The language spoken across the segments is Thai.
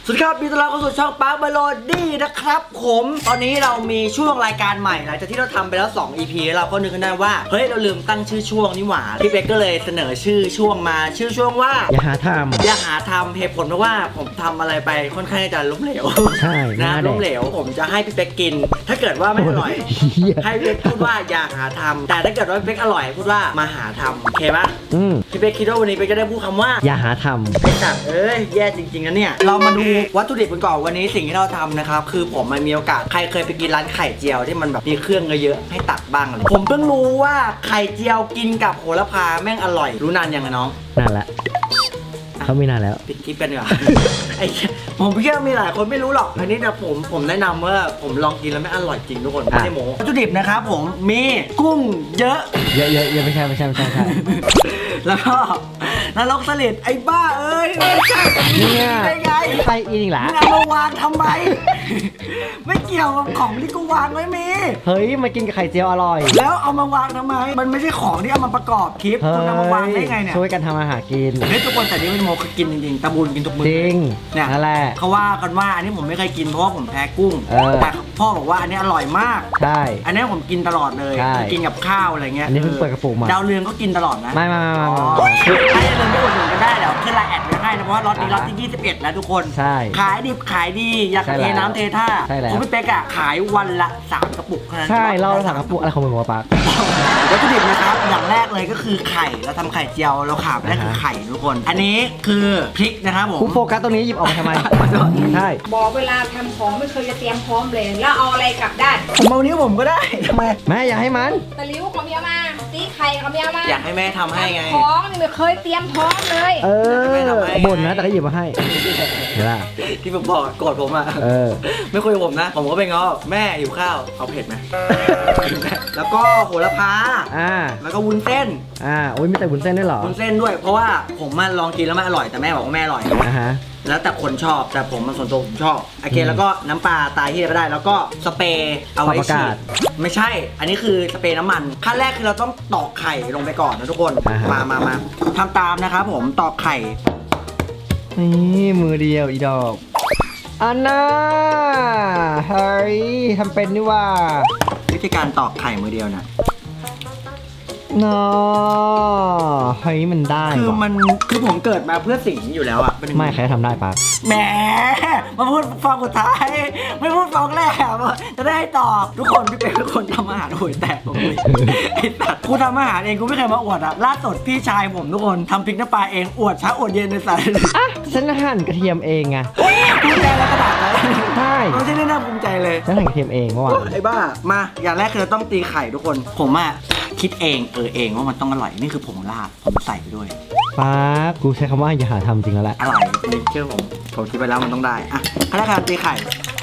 สวัสดีครับมีต้อนรับเข้าสู่ช่องปาร์คเมโลดี้นะครับผมตอนนี้เรามีช่วงรายการใหม่หลังจากที่เราทำไปแล้ว2 EP เราก็นึกขึ้นได้ว่าเฮ้ยเราลืมตั้งชื่อช่วงนี่หว่าพี่เป๊กก็เลยเสนอชื่อช่วงมาชื่อช่วงว่าอย่าหาทำอย่าหาทำเหตุผลเพราะว่าผมทำอะไรไปค่อนข้างจะล้มเหลวใช่นะล้มเหลวผมจะให้พี่เป๊กกิน ถ้าเกิดว่าไม่อร่อยให้พี่เป๊กพูดว่าอย่าหาทำแต่ถ้าเกิดว่าพี่เป๊กอร่อยพูดว่ามาหาทำโอเคปะพี่เป๊กคิดว่าวันนี้เป๊กจะได้พูดคำว่าอย่าหาทไอ้สัตว์เอ้ยแย่จริงๆนะเนี่ยเรามาดูวัตถุดิบกันก่อนวันนี้สิ่งที่เราทำนะครับคือผมมันมีโอกาสใครเคยไปกินร้านไข่เจียวที่มันแบบมีเครื่องเยอะๆให้ตักบ้างเลยผมเพิ่งรู้ว่าไข่เจียวกินกับโหระพาแม่งอร่อยรู้นานยังไงน้องนานละเขาไม่นานแล้วปิดคลิปกันดีกว่า ไอ้ผมเชื่อมีหลายคนไม่รู้หรอกอันนี้แต่ผมแนะนำว่าผมลองกินแล้วไม่อร่อยจริงทุกคนไม่ได้โม้วัตถุดิบนะครับผมมีกุ้งเยอะเยอะไม่ใช่แล้วก็นรกสลิดไอ้บ้าเอ้ยไม่ใช่เนี่ยได้ไงใส่อีกหรอมึงเอามาวางทำไม ไม่เกี่ยวกับของที่กูวางไว้มีเฮ้ยมากินกับไข่เจียวอร่อยแล้วเอามาวางทำไมมันไม่ใช่ของที่เอามาประกอบคลิปคุณเอามาวางได้ไงเนี่ยช่วยกันทำอาหารกินเฮ้ยทุกคนแต่นี่เป็นโมคือกินจริงๆตะบูนกินทุกมื้อจริงเนี่ยนั่นแหละเขาว่ากันว่าอันนี้ผมไม่เคยกินเพราะว่าผมแพ้กุ้งแต่พ่อบอกว่าอันนี้อร่อยมากใช่อันนี้ผมกินตลอดเลยกินกับข้าวอะไรเงี้ยอันนี้เพิ่งเปิดกระปุกมาดาวเรืองก็กินตลอดนะไม่ถ้าจะเดินไปอุดหนุนก็ได้เดี๋ยวขึ้นไลน์แอดไว้ให้นะเพราะว่าล็อตนี้ล็อตที่21แล้วทุกคนใช่ขายดิบขายดีอยากเทน้ำเทท่าคุณพี่เป๊กอะขายวันละ3 กระปุกเท่านั้นใช่เรา3 กระปุกอะไรของมึงวะปั๊กวัตถุดิบนะครับอย่างแรกเลยก็คือไข่เราทำไข่เจียวเราขาดไม่ได้คือไข่ทุกคนอันนี้คือพริกนะครับผมโฟกัสตรงนี้หยิบออกมาทำไมใช่บอกเวลาทำของไม่เคยจะเตรียมพร้อมเลยแล้วเอาอะไรกลับด้านผมเอานิ้วผมก็ได้ทำไมแม่อย่าให้มันตะลิ้วของเมียมาตีไข่ของเมียมาอยากให้แม่ทำให้ไงของนี่ไม่เคยเตรียมพร้อมเลยบ่นนะแต่ก็หยิบมาให้เห็นป่ะที่ผมบอกโกรธผมอ่ะไม่คุยกับผมนะผมก็ไปง้อแม่อยู่ข้าวเอาเผ็ดไหมแล้วก็โหระพาแล้วก็วุ้นเส้นโอ้ยมีแต่วุ้นเส้นด้วยเหรอวุ้นเส้นด้วยเพราะว่าผมมาลองกินแล้วไม่อร่อยแต่แม่บอกว่าแม่อร่อยแล้วแต่คนชอบแต่ผมมันส่วนตัวผมชอบโอเคแล้วก็น้ำปลาตายที่ไม่ได้แล้วก็สเปรย์เอาไว้ฉีดไม่ใช่อันนี้คือสเปรย์น้ำมันขั้นแรกคือเราต้องตอกไข่ลงไปก่อนนะทุกคนมาทำตามนะครับผมตอกไข่นี่มือเดียวอีดอกอันน่าเฮ้ยทำเป็นนี่ว่าวิธีการตอกไข่มือเดียวนะน้อเฮ้ยมันได้คือผมเกิดมาเพื่อสิ่งนี้อยู่แล้วอะไม่ใครทำได้ปะแหมมาพูดฟองสุดท้ายไม่พูดฟองแรกจะได้ตอบทุกคนพี่เป็นคนทำอาหารห่วยแตกผมเลยไอ้สัตว์กูทำอาหารเองกูไม่เคยมาอวดอะล่าสุดพี่ชายผมทุกคนทำพริกน้ำปลาเองอวดเช้าอวดเย็นในสายฉันหั่นกระเทียมเองไงภูมิใจแล้วกระดาษเลยใช่ไม่ใช่น่าภูมิใจเลยฉันหั่นกระเทียมเองเมื่อวานไอ้บ้ามาอย่างแรกคือเราต้องตีไข่ทุกคนผมอะคิดเองเองว่ามันต้องอร่อยนี่คือผงลาบผมใส่ไปด้วยป้ากูใช้คำว่าอย่าหาทำจริงแล้วแหละอร่อยนี่เชื่อผมคิดไปแล้วมันต้องได้อะขั้นแรกตีไข่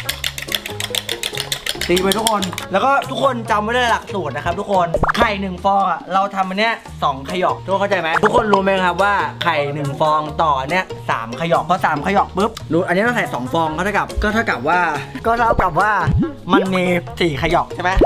ตีไปทุกคนแล้วก็ทุกคนจำไว้ได้หลักสูตรนะครับทุกคนไข่1 ฟองอ่ะเราทำอันเนี้ย2 ขยอกทุกคนเข้าใจไหมทุกคนรู้ไหมครับว่าไข่1 ฟองต่อเนี้ย3 ขยอกพอ3 ขยอกปุ๊บรู้อันนี้เราใส่2 ฟองก็เท่ากับว่ามันมี4 ขยอกใช่ไหม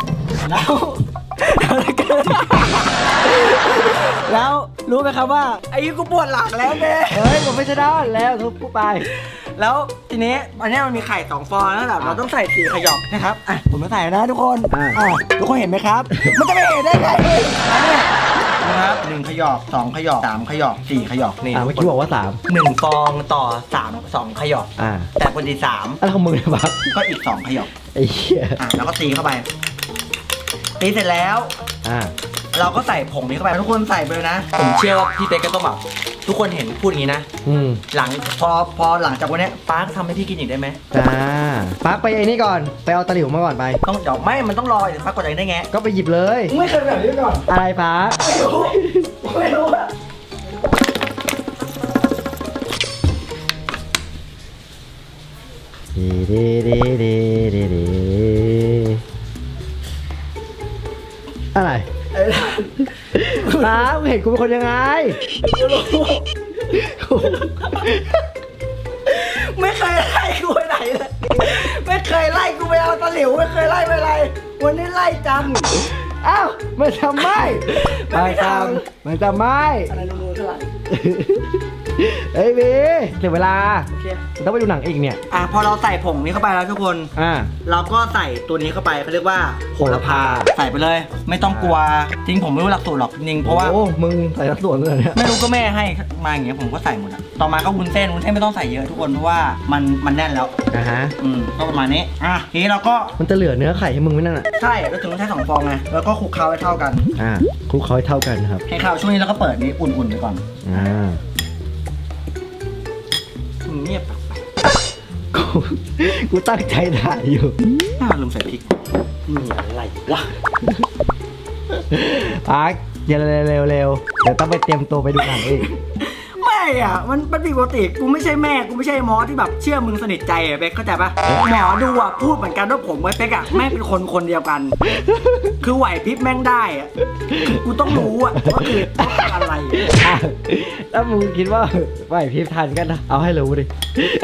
แล้วรู้ไหมครับว่าไอ้กูปวดหลังแล้วเบ้เฮ้ยผมไม่ใช่ด้านแล้วทุบกูไปแล้วทีนี้อันนี้มันมีไข่2 ฟองแล้วแบบเราต้องใส่4 ขยอกนะครับอ่ะผมมาใส่นะทุกคนทุกคนเห็นไหมครับมันจะไม่เห็นได้ไงอันนี้นะครับ1 ขยอก2 ขยอก3 ขยอก4 ขยอกนี่เมื่อกี้บอกว่า 1 ฟองต่อ2 ขยอกแต่คนที่3 อะไรของมึงเนี่ยบักก็อีก2 ขยอกไอ้เหี้ยแล้วก็ตีเข้าไปตีเสร็จแล้วเราก็ใส่ผงนี้เข้าไปทุกคนใส่ไปเลยนะผมเชื่อว่าพี่เป๊กก็ต้องแบบทุกคนเห็นพูดอย่างนี้นะหลังพอหลังจากวันนี้ป้าทำให้พี่กินอีกได้ไหมป้าไปไอ้นี่ก่อนไปเอาตะหลิวมาก่อนไปต้องเดี๋ยวไม่มันต้องรอเดี๋ยวป้ากดอะไรได้ไงก็ไปหยิบเลยไม่เคยแบบนี้ก่อนอะไรป้าไม่รู้อะไรป้าเห็นกูเป็นคนยังไงไม่เคยไล่กูไปไหนเลยไม่เคยไล่กูไปเอาตะหลิวไม่เคยไล่ไปอะไรวันนี้ไล่จำอ้าวมันทำไม่อะไรรู้ๆเท่าไหร่เฮ้ยบีเสียเวลาโอเคต้องไปดูหนังอีกเนี่ยพอเราใส่ผงนี้เข้าไปแล้วทุกคน เราก็ใส่ตัวนี้เข้าไปเขาเรียกว่าโหระพาใส่ไปเลย ไม่ต้องกลัวจริงผมไม่รู้หลักสูตรหรอกจริงเพราะว่าโอ้มึงใส่ทั้งส่วนเลยเนี่ยไม่รู้ก็แม่ให้มาอย่างเงี้ยผมก็ใส่หมดอะต่อมาก็วุ้นเส้นไม่ต้องใส่เยอะทุกคนเพราะว่ามันแน่นแล้วฮะก็ประมาณนี้ทีนี้เราก็มันจะเหลือเนื้อไข่ให้มึงไหมนั่นอ่ะใช่เราถึงต้องใช้2 ฟองไงแล้วก็คลุกเคล้าให้เท่ากันคลุกเขาให้เท่ากันครับให้เข้าช่วงนี้เราก็เปิดนี้อุ่นๆไปก่อน เงียบกูตั้งใจถ่ายอยู่ลืมใส่พริกมีอะไรวะอาร์คอย่าเร็วเดี๋ยวต้องไปเตรียมตัวไปดูหนังอีกไม่อ่ะมันผิดปกติกูไม่ใช่แม่กูไม่ใช่หมอที่แบบเชื่อมึงสนิทใจอ่ะเป๊กเข้าใจปะหมอดูอ่ะพูดเหมือนกันว่าผมกับเป๊กอ่ะแม่งเป็นคนเดียวกัน คือไหวพริบแม่งได้อ่ะกูต้องรู้อ่ะว่าคืออะไรถ้ามึงคิดว่าไหวพริบทันกันนะเอาให้รู้ดิ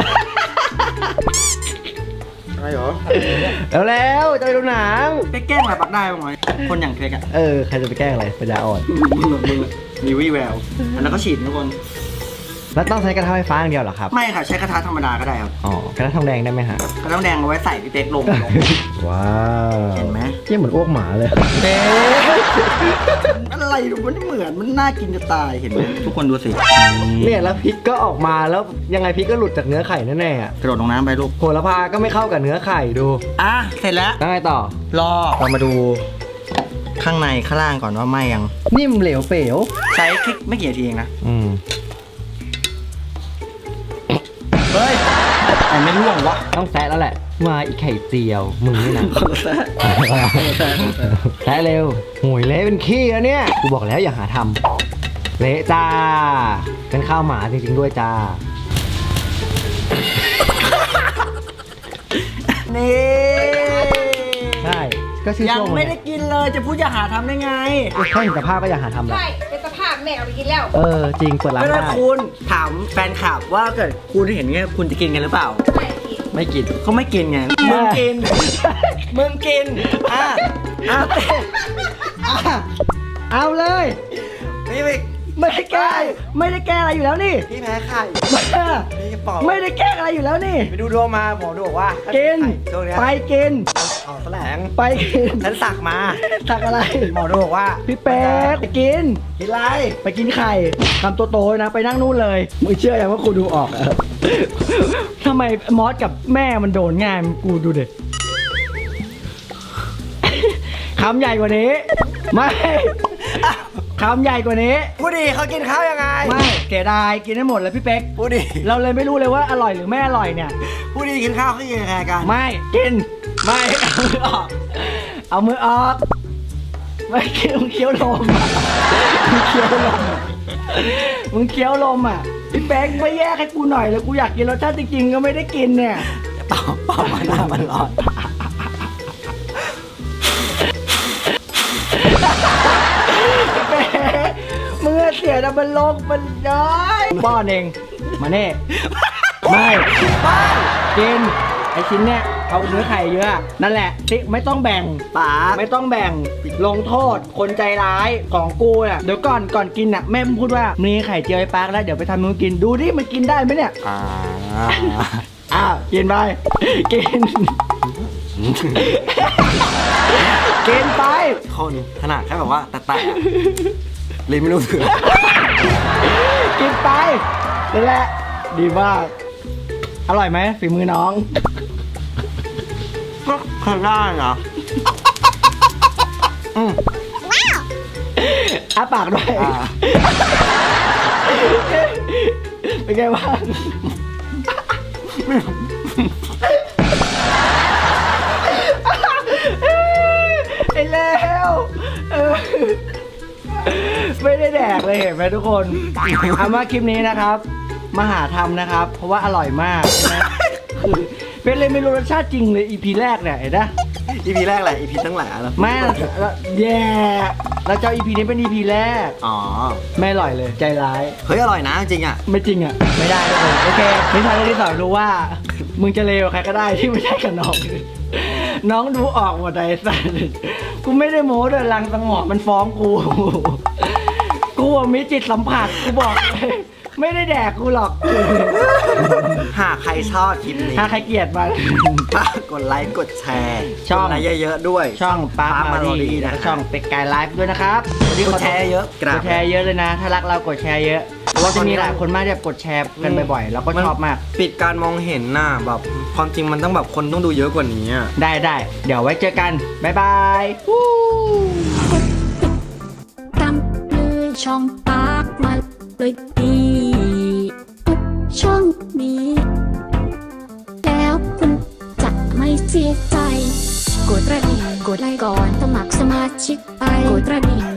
อะไรหรอแล้วจะไปดูหนังเป๊กแกล้งอะไรปักได้บ้างไหมคนอย่างเป๊กอ่ะใครจะไปแกล้งอะไรปัญญาอ่อนมึงมีวี่แววแล้วก็ฉีดทุกคนแล้วต้องใช้กระทะไฟฟ้าอย่างเดียวเหรอครับไม่ค่ะใช้กระทะธรรมดาก็ได้ครับกระทะทองแดงได้ไหมฮะกระทะแดงเอาไว้ใส่พี่เป๊กลงว้าวเห็นไหมเยี่ยเหมือนอ้วกหมาเลยเป๊กอะไรมันไม่เหมือนมันน่ากินจะตายเห็นไหมทุกคนดูสิเนี่ยแล้วพริกก็ออกมาแล้วยังไงพริกก็หลุดจากเนื้อไข่แน่ๆอ่ะกระโดดลงน้ำไปลูกโหระพาก็ไม่เข้ากับเนื้อไข่ดูเสร็จแล้วแล้วไงต่อรอเรามาดูข้างในข้างล่างก่อนว่าไหมยังนิ่มเหลวเป๋วใช้คลิกไม่กี่นาทีเองนะ เฮ้ยแต่ไม่ร่วงวะต้องแซะแล้วแหละมาอีไข่เจียวมึงนี่นะ แซะเร็วโหยเละเป็นขี้แล้วเนี่ยกูบอกแล้วอย่าหาทำเละจ้าเป็นข้าวหมาจริงๆด้วยจ้านี่ใช่ก็ชื่อยังช่วงไม่ได้กินเลยจะพูดอย่าหาทำได้ไงแค่เห็นสภาพก็อย่าหาทำแล้วใช่เป็นสภาพแม่เอาไปกินแล้วจริงเปิดร้านไม่ได้ได้คุณถามแฟนคลับว่าเกิดคุณเห็นเงี้ยคุณจะกินกันหรือเปล่าไม่กินไม่กินเขาไม่กินไงมึงกินมึงกินเอาเลยไม่ได้แก้อะไรอยู่แล้วนี่พี่แพ้ไข่ไม่ได้แก้อะไรอยู่แล้วนี่ไปดูดวงมาหมอดูบอกว่ากินช่วงนี้ไปกินออกแสลงไปกินฉันสักมาสักอะไรหมอดูบอกว่าพี่เป็ดไปกินกินไรไปกินไข่คำโตๆนะไปนั่งนู่นเลยมึงเชื่อยังว่ากูดูออกอะทำไมมอสกับแม่มันโดนง่ายกูดูเด็กคำใหญ่กว่านี้ไม่คำใหญ่กว่านี้ผู้ดีเขากินข้าวยังไงไม่เสียดายกินให้หมดเลยพี่เป๊กผู้ดีเราเลยไม่รู้เลยว่าอร่อยหรือไม่อร่อยเนี่ยผู้ดีกินข้าวเขากินยังไงกันไม่กินไม่เอามือออกเอามือออกไม่เคี้ยวมึงเคี้ยวลมอะมึงเคี้ยวลมอะมึงเคี้ยวลมอ่ะพี่เป๊กไม่แยกให้กูหน่อยเลยกูอยากกินรสชาติจริงๆก็ไม่ได้กินเนี่ยเปล่ามาหน้ามันร้อนพี่เป๊กมึงอะเสียแต่มันลงมันน้อยป้อนเองมาเน่ไม่กินไอชิ้นเนี้ยเอาเนื้อไข่เยอะนั่นแหละที่ไม่ต้องแบ่งป๋าไม่ต้องแบ่งลงโทษคนใจร้ายของกูอ่ะเดี๋ยวก่อนกินอ่ะแม่พูดว่ามีไข่เจียวไอ้ปาร์คแล้วเดี๋ยวไปทำมึงกินดูดิมันกินได้ไหมเนี่ยกินไปกิน กินไปคนขนาดแค่แบบว่าแตะเลยไม่รู้สึกกินไปนั่นแหละดีมากอร่อยไหมฝีมือน้องก็เคยได้เหรออ้าปากด้วยเป็นไงบ้างไอ้แล้วไม่ได้แดกเลยเห็นไหมทุกคนเอามาคลิปนี้นะครับมาหาทำนะครับ เพราะว่าอร่อยมากนะคือเป็นเลยไม่รู้รสชาติจริงเลย EP แรกเนี่ยเห็นนะ EP แรกแหละ EP ทั้งหลายแล้วแม่แย่เราจะเอา EP นี้เป็น EP แรกอ๋อไม่อร่อยเลยใจร้ายเฮ้ยอร่อยนะจริงอ่ะไม่จริงอ่ะ ไม่ได้ทุกคนโอเคนิทานเรื่องที่สองรู้ว่า มึงจะเลวใครก็ได้ที่ไม่ใช่กับน้อง น้องดูออกหมดเลยสัสกูไม่ได้โม้ด้วยลังสังหรณ์มันฟ้องกู กูมีจิตสัมผัสกูบอกเลยไม่ได้แดกกูหรอกหากใครชอบคลิปนี้ถ้าใครเกลียดมาฝากกดไลค์กดแชร์ช่องกดไลค์เยอะๆด้วยช่องปาร์ค Park มาดี Melody แล้วนะก็ช่องเป็กกายไลฟ์ด้วยนะครับวันนี้กดแชร์เยอะกกราบดแชร์เยอะเลยนะ ถ้ารักเรากดแชร์เยอะเพราะว่าจะมีหลายคนมากที่แบบกดแชร์กันบ่อยๆ เราก็ชอบมากปิดการมองเห็นน่ะแบบความจริงมันต้องแบบคนต้องดูเยอะกว่านี้อะได้เดี๋ยวไว้เจอกัน บ๊ายบายตามเลยช่องปากมาเลยดีทุกช่องนี้ แล้วคุณจะไม่เสียใจ กดกระดิ่งกดไลค์ก่อนสมัครสมาชิกไปกดกระดิ่ง